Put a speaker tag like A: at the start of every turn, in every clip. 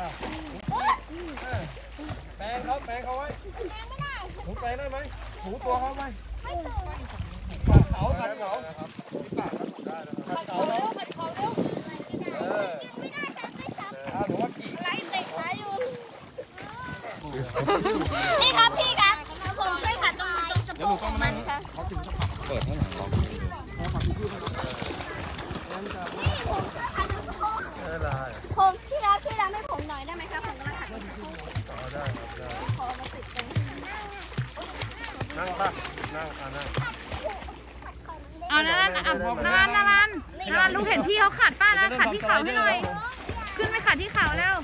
A: แปรงเขาไว้หนูแปรงได้ไหมหนูตัวเขาไหมขัดเขาขัดเขาหนูว่ากี่
B: นี่ครับพี่ครับผมช่วยขัดตรงสะโพกของมันครับ
A: เปิดให้หน่อยลองไม่ได้
B: ผมพี่รับให้ผมหน่อยได้ไหมครับผมกำลังขัดตรงสะโพก
A: ได้ครับได้
B: ขอมาติดตรง
A: นั่งป่ะนั่งนั่ง
C: เอานารันลูกเห็นพี่เขาขัดป้านะขัดที่เข่าให้หน่อย ขึ้นไปขัดที่เข่าแล้ว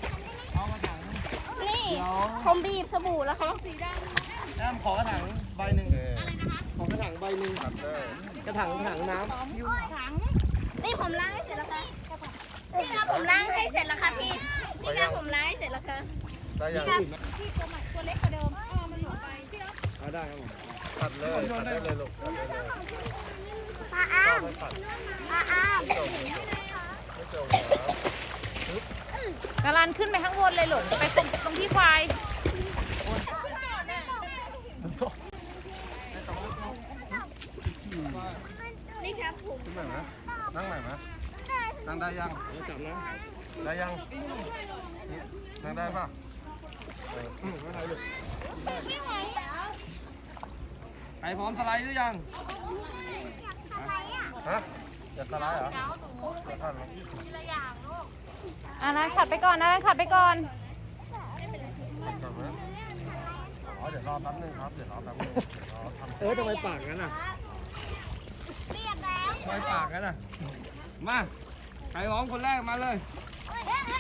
B: นี่ผมบีบสบู่แล้วครับ
A: แอมขอกระถางใบหนึ่งขอกระถางใบหนึ่งกระถางน้ำ
B: นี่ผมล้างให้เสร็จแล้วค่ะพี่ครับผมล้างให้เสร็จแล้วค่ะพี่ครับผมล้างให้เสร็จแล้วค่ะ
A: ได้ยัง
B: พี่ตัวเล็กกว่าเดิมมันหลุดไปพี่ครับ
A: ได้ครับผมตัดเลยตัดได้เลยลูกตัดได้เลย
B: ปลาอ้าม
A: ไม่ตัด
B: ปลาอ้าม
A: ไม่จบนะ
C: นารันขึ้นไปข้างบนเลยหลงไปตรงที่ควาย
B: นี่ครับผม
A: ขึ้นไหนนะนั่งไหนนะนั่งได้ยังจับนะได้ยังนั่งได้ป่ะไม่ได้ลูก
B: ไม่ไหวแล้ว
A: ใครพร้อมสไลด์หรือยังฮะอยากสไลด์เหรอเดี๋ยวก่อนลอง
C: นารันขัดไปก่อนนารันขัดไปก่อน
A: ก่อนนะอ๋อเดี๋ยวรอแป๊บนึงครับเดี๋ยวรอแป๊บนึงทำไมปากงั้นอ่ะ
B: เรียบแล้ว
A: ทำไมปากงั้นอ่ะมาใครพร้อมคนแรกมาเลย
B: เฮ้ย